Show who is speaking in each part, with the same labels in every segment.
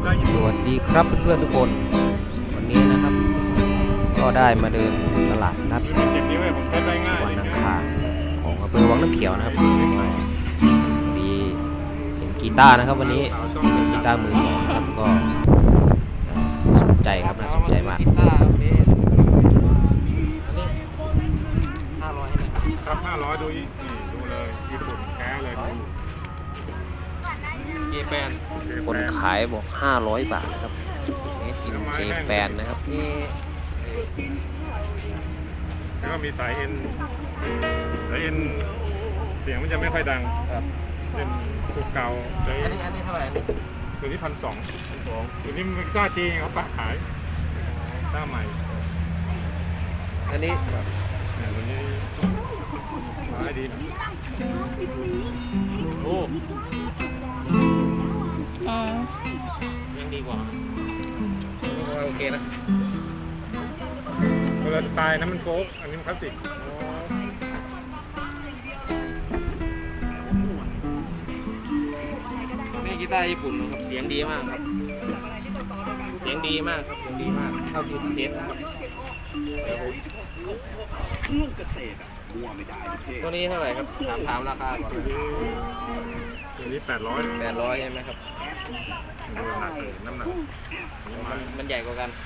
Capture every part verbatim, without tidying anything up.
Speaker 1: สวัสดีครับเพื่อนๆทุกคนวันนี้นะครับก็ได้มาเดินตลาดนัดวันอังคารของอำเภอวังน้ำเขียวนะครับมีเห็นกีตาร์นะครับวันนี้เป็นกีตาร์มือสองนะครับก็สนใจครับน่าสนใจมาก
Speaker 2: ครับห้าร้อยดูนี่ดูเลยญี่ปุ่นแท้เลยเจแปน
Speaker 1: คนขายบอกห้าร้อยบาทนะครับ Made in Japan นะครับ
Speaker 2: มีแล้วก็มีสายเอ็นสายเอ็นเสียงมันจะไม่ค่อยดังครับเป็นตัวเก่าเลย
Speaker 3: อันนี้อันนี้เท่าไหร่นี่
Speaker 2: ตัวนี้พันสองพันสองตัวนี้มันก้าจีเขาปะขายก้าใหม่
Speaker 3: อันนี้
Speaker 2: เนี่ยตัวนี้ขายดีโอ้
Speaker 3: ยังดีกว่าโอเคนะ
Speaker 2: เวลาตายนะมันโฟกอันนี้มันคลาสสิก
Speaker 3: นี่กีตาร์ญี่ปุ่นครับเสียงดีมากครับเสียงดีมากครับเสียงดีมากเท่าที่เทสครับตัวนี้เท่าไหร่ครับถามถามราคาก่อน
Speaker 2: ตัวนี้แปดร้อย
Speaker 3: แปดร้อยใช่ไหมครับ
Speaker 2: ดูหนักเลยน้ำหนัก
Speaker 3: มันมันใหญ่กว่ากัน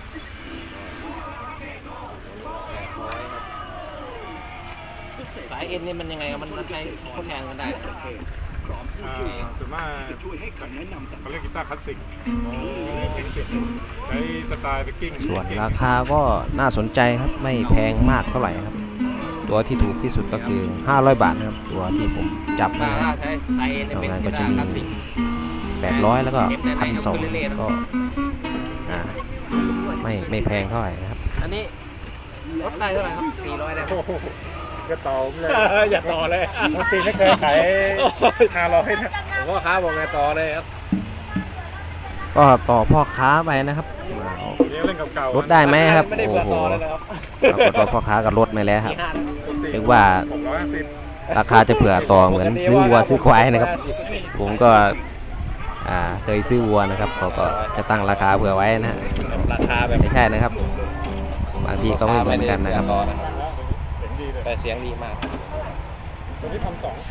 Speaker 3: แปดร้อยครับสายเอ็นนี่มันยังไงมันมันใช้ทดแทนกันได้
Speaker 2: ส่วนมากเขาเรียกกีตาร์คลาสสิกใช้สไตล์เบกกิ้ง
Speaker 1: ส่วนราคาก็น่าสนใจครับไม่แพงมากเท่าไหร่ครับตัวที่ถูกที่สุดก็คือห้าร้อยบาทนะครับตัวที่ผมจับนะค
Speaker 3: รั
Speaker 1: บตรงนั้นก็จะมีแปดร้อยแล้วก็พันสองก็อ่าไม่ไม่แพงเท่าไหร่นะครับ
Speaker 3: อันนี้ลดได้เท่าไหร่ครับสี่ร้อยได้
Speaker 2: ก็ต่อเลยอย่าต่อเลยปกติไม่เคยขายห้าร้อยนะ
Speaker 3: ผมว่าค้าบอกไงต่อเลยครับ
Speaker 1: ก็ต่อพ่อค้าไปนะครับลดได้ไหมครับโอ้โหปรากฏว่าพ่อค้าก็ลดไปแล้วครับถึงว่าราคาจะเผื่อต่อเหมือนซื้อวัวซื้อควายนะครับผมก็อ่าเคยซื้อวัวนะครับเขาก็จะตั้งราคาเผื่อไว้นะ
Speaker 3: ราคาแบบ
Speaker 1: ไม่ใช่นะครับบางทีก็ไม่เหมือนกันนะครับ
Speaker 3: แต่เสียงดีมาก
Speaker 2: ตัวนี้ทำสอง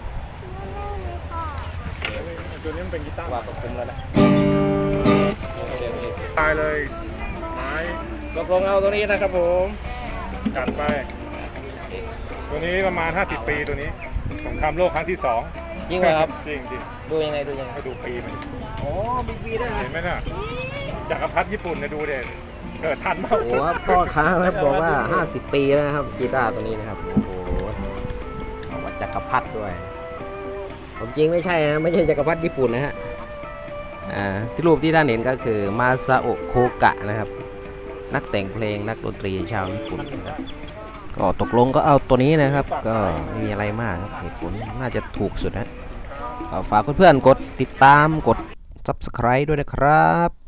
Speaker 2: ตัวนี้มันเป็นกีตาร์
Speaker 3: ว่าคุ้มแล้วนะ
Speaker 2: ตายเลยไม้
Speaker 3: ตกลงเอาตัวนี้นะครับผม
Speaker 2: จัดไปตัวนี้ประมาณห้าสิบปีตัวนี้สงครามโลกครั้งที่สอง
Speaker 3: จริงเหรอครับ
Speaker 2: จริงจริง
Speaker 3: ดูยังไงดูยังไง
Speaker 2: ดูปีมัน
Speaker 3: โอ้มีปีได้
Speaker 2: เห็นไหมน่ะจักรพรรดิญี่ปุ่นนะดูเด่นเกิดทันมาก
Speaker 1: โอ้ครับพ่อค้าครับบอกว่าห้าสิบปีแล้วนะครับกีตาร์ตัวนี้นะครับโอ้โหบอกว่าจักรพรรดิด้วยผมจริงไม่ใช่นะไม่ใช่จักรพรรดิญี่ปุ่นนะฮะอ่าที่รูปที่ท่านเห็นก็คือมาซาโอะโคกะนะครับนักแต่งเพลงนักดนตรีชาวญี่ปุ่นนะครับก็ตกลงก็เอาตัวนี้นะครับก็ไม่มีอะไรมากครับเหตุผลน่าจะถูกสุดนะฝากเพื่อนๆกดติดตามกด ซับสไครบ์ ด้วยนะครับ